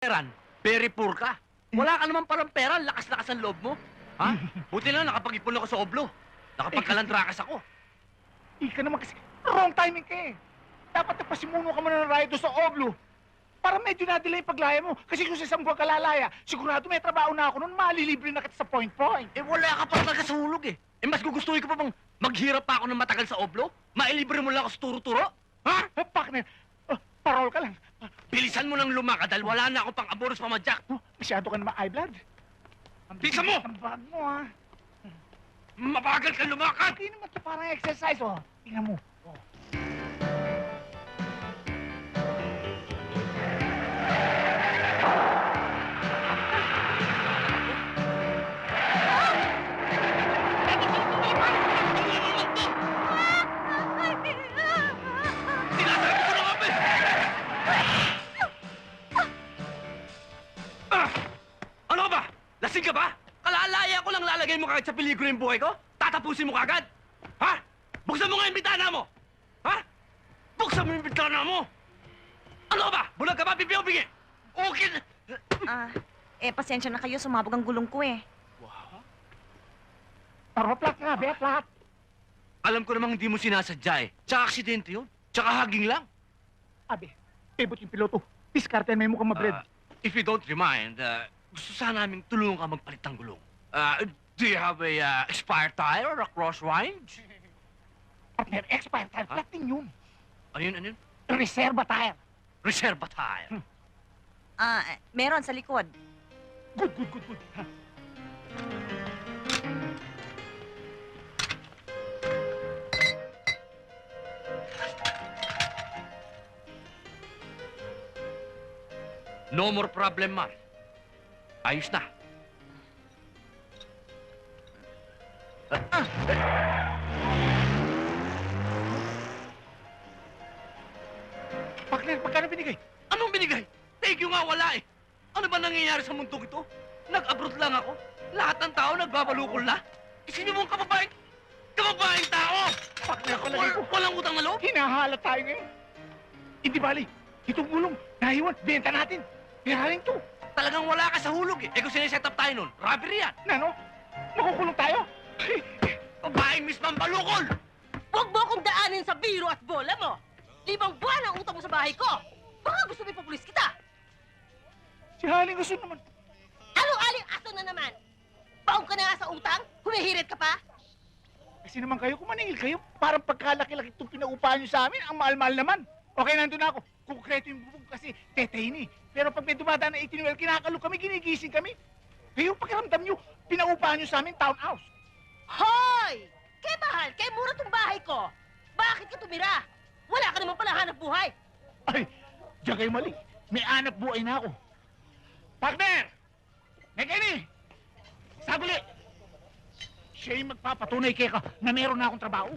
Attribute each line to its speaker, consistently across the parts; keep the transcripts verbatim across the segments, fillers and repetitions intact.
Speaker 1: veteran, very poor ka. Wala ka naman parang pera, lakas-lakas ang loob mo. Ha? Buti lang nakapag-ipon ako sa oblo. Nakapagkalandrakas ako.
Speaker 2: Ika naman kasi, wrong timing ka eh. Dapat napasimuno ka muna ng rayo doon sa Oblo. Para medyo na-delay yung paglaya mo. Kasi kung sa isang buwan ka lalaya, sigurado may trabaho na ako noon, malilibre na kita sa point-point.
Speaker 1: Eh wala ka pa talaga sa hulog eh. Eh mas gugustuhin ko pa bang maghirap pa ako ng matagal sa oblo? Mailibre mo lang ako sa turo-turo? Ha?
Speaker 2: Eh, partner, uh, parol ka lang. Uh,
Speaker 1: Bilisan mo nang lumakad dahil wala na akong pang-aboros pamadyak.
Speaker 2: oh, masyado ka naman eye blood. Ang
Speaker 1: Bilisan mo!
Speaker 2: Ang bag mo, ha?
Speaker 1: Mabagal ka lumakad!
Speaker 2: Hindi naman ito parang exercise, oh. Tingnan mo. Oh.
Speaker 1: Tinasabi ko na nga ba? Ah! Ano ka ba? Lasing ka ba? Kalalaya ko lang lalagay mo kagad sa peligro yung buhay ko? Tatapusin mo kagad? Ha? Buksan mo nga yung bintana mo! Ha? Buksan mo yung bintana mo! Ano ka ba? Bulag ka ba? Pipi o bingi? Okay na...
Speaker 3: Ah, eh, pasensya na kayo. Sumabog ang gulong ko eh.
Speaker 1: Wow.
Speaker 2: Paraplat nga, be, plat.
Speaker 1: Alam ko namang hindi mo sinasadya eh. Tsaka aksidente yun. Tsaka haging lang.
Speaker 2: Abi, pivot yung piloto. Diskarte may mukhang mabred.
Speaker 1: Ah, if you don't remind, uh, gusto sana naming tulungan ka magpalit ng gulong. Uh, do you have a uh, expired tire or a cross wind?
Speaker 2: Partner, expired tire. Flat din yun.
Speaker 1: Ano yun, ano yun?
Speaker 2: Reserva tire.
Speaker 1: Reserva tire.
Speaker 3: Ah, eh, meron sa likod.
Speaker 2: Good, good, good, good. Ha?
Speaker 1: No more problem, Mar. Ayos na. Ah, ah, eh.
Speaker 2: Partner, magkano binigay?
Speaker 1: Anong binigay? Thank you nga, wala eh. Ano ba nangyayari sa mundong ito? Nag-abroad lang ako. Lahat ng tao nagbabalukol na. Isipin mo ang kababaeng... kababaeng tao!
Speaker 2: Partner, palagay
Speaker 1: Wal,
Speaker 2: ko.
Speaker 1: walang utang na loob?
Speaker 2: Hinahalat tayo ngayon. Hindi bali. Itong gulong, nahiwan, benta natin. Piraling to.
Speaker 1: Talagang wala ka sa hulog eh. Eh kung siniset up tayo nun, robbery yan.
Speaker 2: Nano? Makukulong tayo?
Speaker 1: Babaeng Miss Mambalukol!
Speaker 4: Huwag mo akong daanin sa biro at bola mo! Limang buwan ang utang mo sa bahay ko! Baka gusto mo ipapulis kita!
Speaker 2: Si Haling gusto naman.
Speaker 4: Anong aling aso na naman? Baong ka na nga sa utang? Humihirit ka pa?
Speaker 2: Kasi naman kayo, kung maningil kayo, parang pagkalaki-laki itong pinaupahan nyo sa amin, ang mahal-mahal naman. Okay, nandun na ako. Konkreto yung bubong kasi tetay ni. Pero pag may dumadaan na eighteen well, kinakalo kami, ginigising kami. Kayo, pakiramdam nyo, pinaupahan nyo sa amin, townhouse.
Speaker 4: Hoy! Kaya mahal, kaya mura tong bahay ko! Bakit ka tumira? Wala ka naman pala hanap buhay!
Speaker 2: Ay, diyan kayo mali. May anak buhay na ako. Partner! Nekeni! Saguli! Siya yung magpapatunay kay ka na meron na akong trabaho.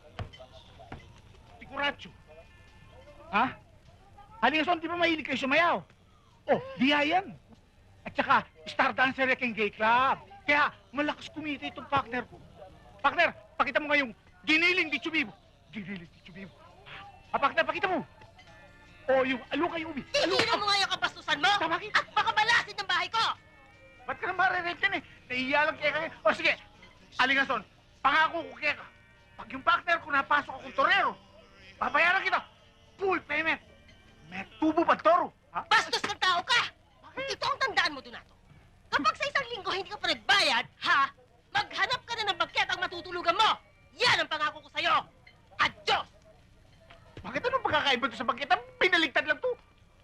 Speaker 2: Tikuracho. Ha? Halingason, di ba mahilig kayo sumayaw? Oh, diya yan. At saka, star dancer yung gay club. Kaya, malakas kumita itong partner ko. Partner, pakita mo nga yung giniling di chubibo. Giniling di chubibo. Ah, partner, pakita mo. O, yung aluka yung ubi.
Speaker 4: Tigilan mo nga yung kabastusan mo!
Speaker 2: Tama kita.
Speaker 4: At baka balasin ng bahay ko!
Speaker 2: Ba't ka na marirate yan eh? Naiiya lang kaya kaya. O sige, Alingason, pangako ko kaya ka. Pag yung partner ko napasok akong torero, babayaran kita. Full payment. May tubo pa toro. Ha?
Speaker 4: Bastos ng tao ka! Ito ang tandaan mo, Donato. Kapag sa isang linggo hindi ka pa nagbayad, ha? Maghanap ka na ng bagket ang matutulugan mo! Yan ang pangako ko sa'yo! Adios!
Speaker 2: Bakit anong pagkakaiba to sa bagkita? Pinaligtad lang to.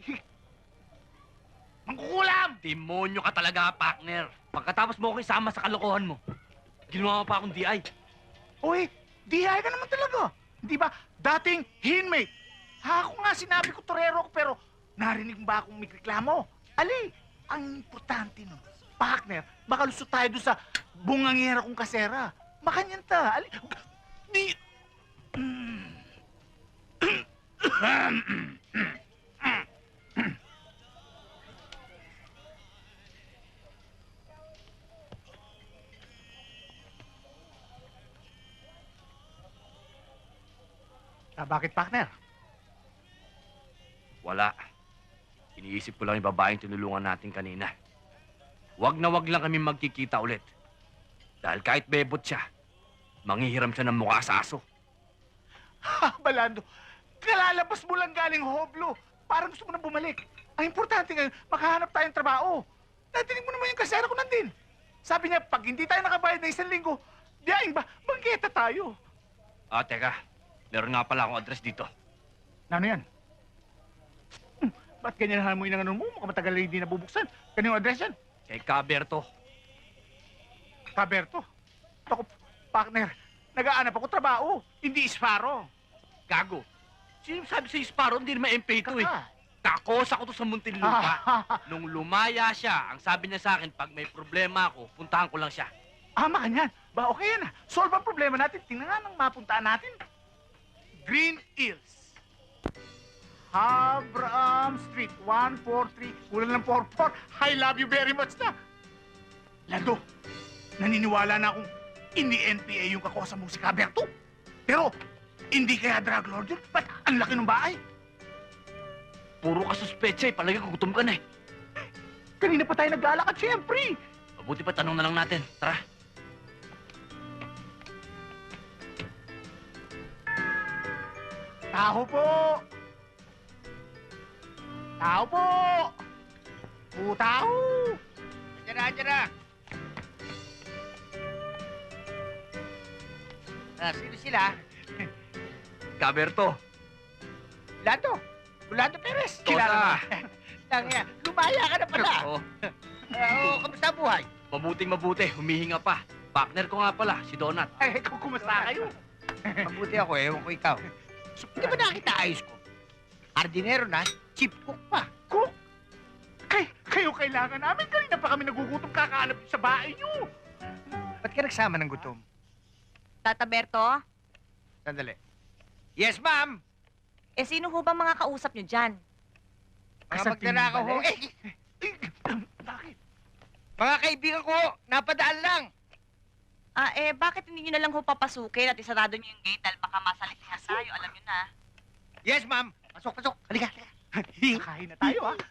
Speaker 2: Mangkukulam!
Speaker 1: Demonyo ka talaga, partner. Pagkatapos mo ako isama sa kalokohan mo, ginawa mo pa akong D I.
Speaker 2: Uy, dihay ka naman talaga. Di ba, dating inmate. Ha, ako nga sinabi ko torero ko, pero narinig mo ba akong may reklamo? Ali, ang importante nun, partner, baka lusot tayo doon sa bungangera kong kasera. Makanyan ta. Ali, di... Ah, bakit, partner?
Speaker 1: Wala. Iniisip ko lang yung babaeng tinulungan natin kanina. Wag na wag lang kami magkikita ulit. Dahil kahit bebot siya, manghihiram siya ng mukha sa aso.
Speaker 2: Ha, Balando, kalalabas mo lang galing hoblo. Parang gusto mo na bumalik. Ang importante ngayon, makahanap tayong trabaho. Natinig mo naman yung kasera ko nandin. Sabi niya, pag hindi tayo nakabayad ng isang linggo, diyaing ba, bangketa tayo.
Speaker 1: Ah, teka. Meron nga pala akong address dito.
Speaker 2: Ano yan? Hmm, ba't ganyan mo yung ano mo? Mukhang matagal na hindi nabubuksan. Ganyan yung address yan.
Speaker 1: Kay Caberto.
Speaker 2: Kaberto. Ako, partner, nag-aanap ako trabaho. Hindi isparo.
Speaker 1: Gago. Sino sabi sa Sparrow, hindi naman M P ito eh.
Speaker 2: Kaka.
Speaker 1: Takos ako to sa Muntinlupa. Nung lumaya siya, ang sabi niya sa akin, pag may problema ako, puntahan ko lang siya.
Speaker 2: Ama ka niyan. Ba, okay yan. Solve ang problema natin. Tingnan nga nang mapuntaan natin. Green Hills. Abram Street, one four three. Kulang ng four four. I love you very much na. Lando, naniniwala na akong hindi N P A yung kakosa mo si Caberto. Pero, hindi kaya drug lord yun. Ba't ang laki ng bahay?
Speaker 1: Puro ka suspecha eh, palagi gutom ka na eh.
Speaker 2: Kanina pa tayo naglalakad, siyempre.
Speaker 1: Mabuti pa tanong na lang natin. Tara.
Speaker 2: Tao po! Tao po! Putao!
Speaker 5: Diyan na, diyan na. Ah, sino sila?
Speaker 1: Caberto.
Speaker 5: Lando. Rolando Perez.
Speaker 1: Kilala.
Speaker 5: Lang yan. Lumaya ka na pala.
Speaker 1: Oo.
Speaker 5: Ah, Oo, kamusta ang buhay?
Speaker 1: Mabuting mabuti, humihinga pa. Partner ko nga pala, si Donat.
Speaker 2: Eh, kung kumusta kayo?
Speaker 5: Mabuti ako, ewan ko ikaw. Hindi ba nakita ayos ko? Hardinero na, chief cook pa.
Speaker 2: Cook? Kay, kayo kailangan namin. Kanina pa kami nagugutom kakaanap sa bahay niyo.
Speaker 5: Ba't ka nagsama ng gutom?
Speaker 3: Tata Berto,
Speaker 5: Sandali. Yes, ma'am.
Speaker 3: eh sino ho ba mga kausap nyo dyan?
Speaker 5: Mga
Speaker 2: Sa
Speaker 5: magnanakaw ho.
Speaker 2: timbales?
Speaker 5: Eh,
Speaker 2: Bakit?
Speaker 5: mga kaibigan ko, napadaan lang.
Speaker 3: Ah, eh bakit hindi nyo na lang ho papasukin at isarado nyo yung gate dahil baka masalitihan tayo, alam nyo na.
Speaker 5: Yes, ma'am. Pasok, pasok. Halika, halika.
Speaker 2: Kakain na tayo, ah.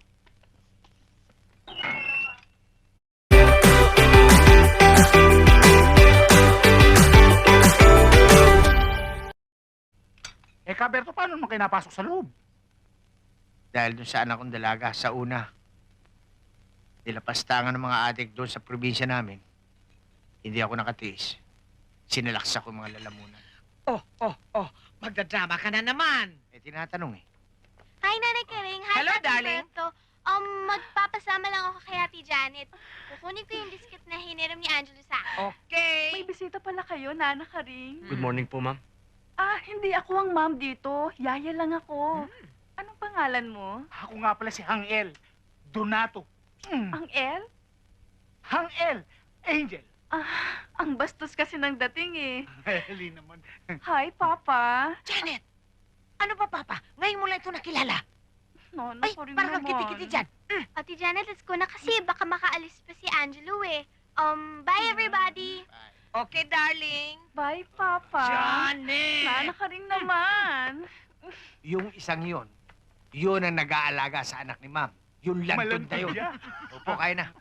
Speaker 2: Eh, Caberto, paano naman kayo napasok sa loob?
Speaker 5: Dahil dun sa anak kong dalaga, sa una, nilapastangan ng mga adik doon sa probinsya namin. Hindi ako nakatiis. Sinalaksa ko yung mga lalamunan.
Speaker 6: Oh, oh, oh. Magdadrama ka na naman.
Speaker 5: Eh, tinatanong eh.
Speaker 7: Hi, Nanay Kering. Hi,
Speaker 6: Hello,
Speaker 7: Tati
Speaker 6: darling.
Speaker 7: Berto. Um, magpapasama lang ako kay Ate Janet. Kukunin ko yung biscuit na hiniram ni Angelo sa akin.
Speaker 6: Okay.
Speaker 8: May bisita pala kayo, Nana Karing.
Speaker 1: Good morning po, ma'am.
Speaker 8: Ah, hindi ako ang ma'am dito. Yaya lang ako. Anong pangalan mo?
Speaker 2: Ako nga pala si Hangel. Donato. Mm.
Speaker 8: Ang El?
Speaker 2: Hangel. Angel.
Speaker 8: Ah, ang bastos kasi ng dating eh.
Speaker 2: Heli naman.
Speaker 8: Hi, Papa.
Speaker 6: Janet, ano ba, Papa? Ngayon mo lang ito nakilala.
Speaker 8: No, no,
Speaker 6: Ay,
Speaker 8: sorry
Speaker 6: parang
Speaker 8: naman.
Speaker 6: kiti-kiti dyan.
Speaker 7: Ate Janet, let's go na kasi baka makaalis pa si Angelo eh. Um, bye everybody.
Speaker 6: Okay, darling.
Speaker 8: Bye, Papa.
Speaker 6: Janet!
Speaker 8: Nana Karing naman.
Speaker 5: Yung isang yon, yun ang nag-aalaga sa anak ni ma'am. Yung lantod na yun.
Speaker 2: siya.
Speaker 5: Opo, kaya na.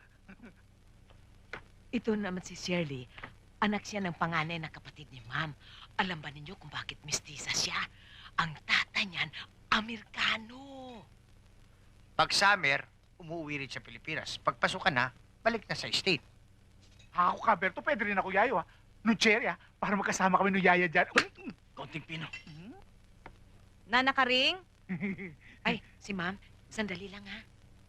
Speaker 6: Ito naman si Shirley. Anak siya ng panganay na kapatid ni Ma'am. Alam ba ninyo kung bakit mestiza siya? Ang tatay niyan, Amerikano.
Speaker 5: Pag summer, umuwi rin sa Pilipinas. Pag pasok ka na, balik na sa state.
Speaker 2: Ako, Caberto, pwede rin ako yayo, ha? No cherry, ha? Para magkasama kami no yaya dyan.
Speaker 1: Konting pino.
Speaker 3: Nana Karing?
Speaker 6: Ay, si Ma'am, sandali lang ha.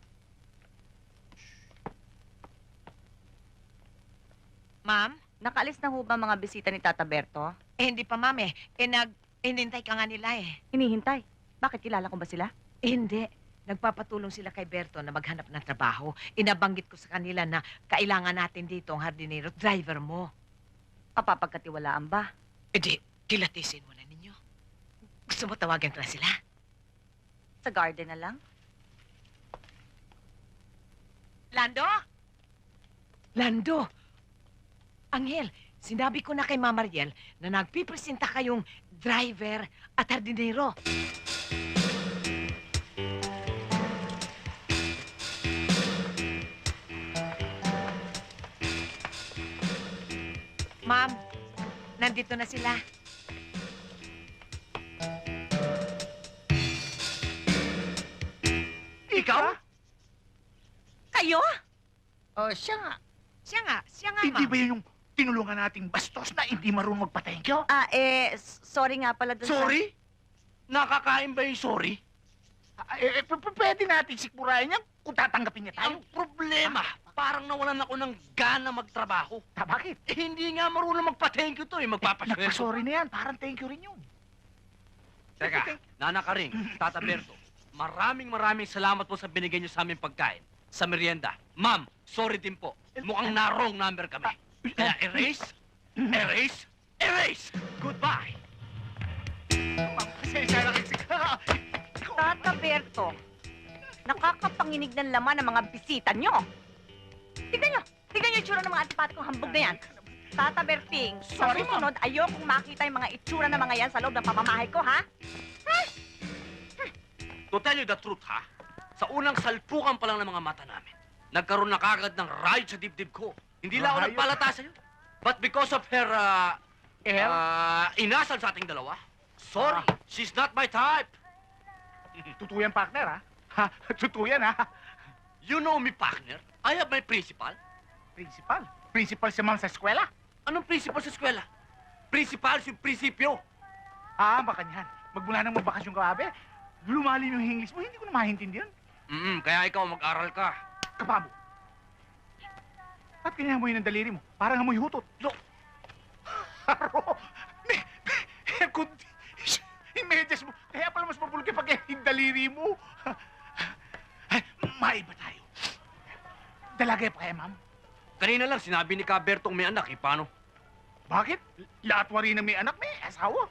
Speaker 6: Ma'am?
Speaker 3: Nakaalis na ho ba mga bisita ni Tata Berto?
Speaker 6: Eh, hindi pa, Ma'am eh. Eh, nag... Inintay ka nga nila eh.
Speaker 3: Hinihintay. Bakit kilala ko ba sila?
Speaker 6: Eh, hindi. Nagpapatulong sila kay Berto na maghanap ng trabaho. Inabanggit ko sa kanila na kailangan natin dito ang hardinero driver mo.
Speaker 3: Kapapagkatiwalaan ba?
Speaker 6: Eh di, kilatisin mo na ninyo. Gusto mo tawagan ko na sila?
Speaker 3: Sa garden na lang?
Speaker 6: Lando? Lando! Angel, sinabi ko na kay Mama Mariel na nagpipresenta kayong driver at hardinero. Ma'am, nandito na sila.
Speaker 1: Ikaw?
Speaker 3: Kayo?
Speaker 5: Oh, siya nga.
Speaker 6: Siya nga, siya nga,
Speaker 2: Hindi
Speaker 6: ma'am.
Speaker 2: ba yun yung tinulungan nating bastos na hindi marunong magpa-thank you?
Speaker 3: Ah, eh, s- sorry nga pala dun sa...
Speaker 1: Sorry? Nakakain ba yung sorry?
Speaker 2: Ah, eh, eh, p- p- pwede natin sikmurahin yan kung tatanggapin niya tayo.
Speaker 1: Ang problema, parang nawalan ako ng gana magtrabaho.
Speaker 2: Ta, bakit?
Speaker 1: Eh, hindi nga marunong magpa-thank you to eh, magpapasweldo.
Speaker 2: Nagpa-sorry na yan. Parang thank you rin yun.
Speaker 1: Teka, Nana Karing, Tata Berto, maraming maraming salamat po sa binigay niyo sa aming pagkain, sa merienda. Ma'am, sorry din po. Mukhang na-wrong number kami. Kaya erase, erase, erase! Goodbye!
Speaker 2: Ma'am, pasensya na kasi ka.
Speaker 3: Tata Berto, nakakapanginig ng laman ng mga bisita nyo. Tignan nyo, tignan nyo yung itsura ng mga antipatikong hambog na yan. Tata Berting, sa
Speaker 2: Sorry, ma'am.
Speaker 3: susunod, ayokong makita yung mga itsura ng mga yan sa loob ng pamamahay ko, ha?
Speaker 1: To tell you the truth, ha? Sa unang salpukan pa lang ng mga mata namin, nagkaroon na kagad ng riot sa dibdib ko. Hindi lang ako
Speaker 2: Riot?
Speaker 1: nagpalata sa'yo. But because of her, uh,
Speaker 2: Air?
Speaker 1: uh, inasal sa ating dalawa, sorry,
Speaker 2: Ah.
Speaker 1: she's not my type.
Speaker 2: Tutuyan, partner, ha? Ha? Tutuyan, ha?
Speaker 1: You know me, partner. I have my principal.
Speaker 2: Principal. Principal si ma'am sa eskwela.
Speaker 1: Anong principal sa eskwela? Principal yung prinsipyo.
Speaker 2: Ah, baka niyan. Magmula nang magbakasyon ka, abe. Lumalim yung English mo, hindi ko na maintindihan.
Speaker 1: Mm, kaya ikaw mag-aral ka.
Speaker 2: Kapabo. Ba't kanya amoy ng daliri mo? Parang amoy hutot. Lo! Haro! Me, me, kundi, yung medyas mo, kaya pala mas mapulog pag yung daliri mo. Ay, maiba tayo. Dalaga pa kaya, ma'am?
Speaker 1: Kanina lang sinabi ni Cabertong may anak, eh, paano?
Speaker 2: Bakit? Lahat wari na may anak, may asawa.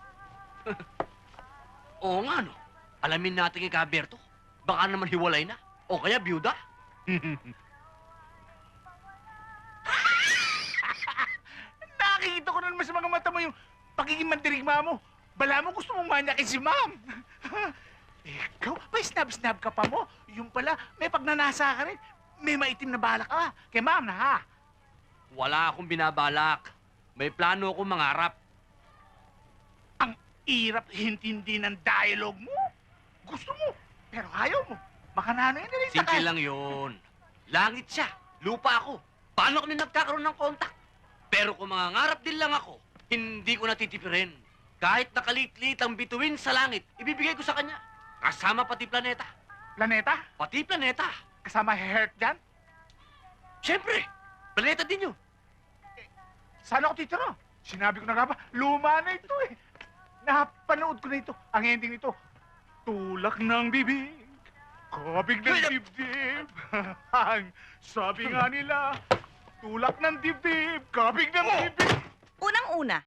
Speaker 1: Oo nga, no. Alamin natin kay Caberto. Baka naman hiwalay na. O kaya byuda.
Speaker 2: Nakikita ko na naman sa mga mata mo yung pagiging mandirigma mo. Bala mo gusto mong manyakin si ma'am. Ikaw, may snab-snab ka pa mo. Yung pala, may pagnanasa ka rin. May maitim na balak ka. Kay ma'am na ha.
Speaker 1: Wala akong binabalak. May plano akong mangarap.
Speaker 2: Ang irap hintindi ng dialogue mo. Gusto mo, pero ayaw mo. Baka na ano yun na rin sa
Speaker 1: Simple lang yun. Langit siya. Lupa ako. Paano kami nagkakaroon ng kontak? Pero kung mangangarap din lang ako, hindi ko natitipirin. Kahit nakalitlit ang bituin sa langit, ibibigay ko sa kanya. Kasama pati planeta.
Speaker 2: Planeta,
Speaker 1: Pati planeta.
Speaker 2: kasama heart dyan.
Speaker 1: Siyempre, planeta din yun.
Speaker 2: Saan ako titira? Sinabi ko na nga ba, luma na ito eh. Napanood ko na ito. Ang ending nito, tulak ng bibig, kabig ng
Speaker 1: Wait,
Speaker 2: dibdib. Ang sabi nga nila, tulak ng dibdib, kabig ng
Speaker 3: Oh.
Speaker 2: bibig.
Speaker 3: Unang-una,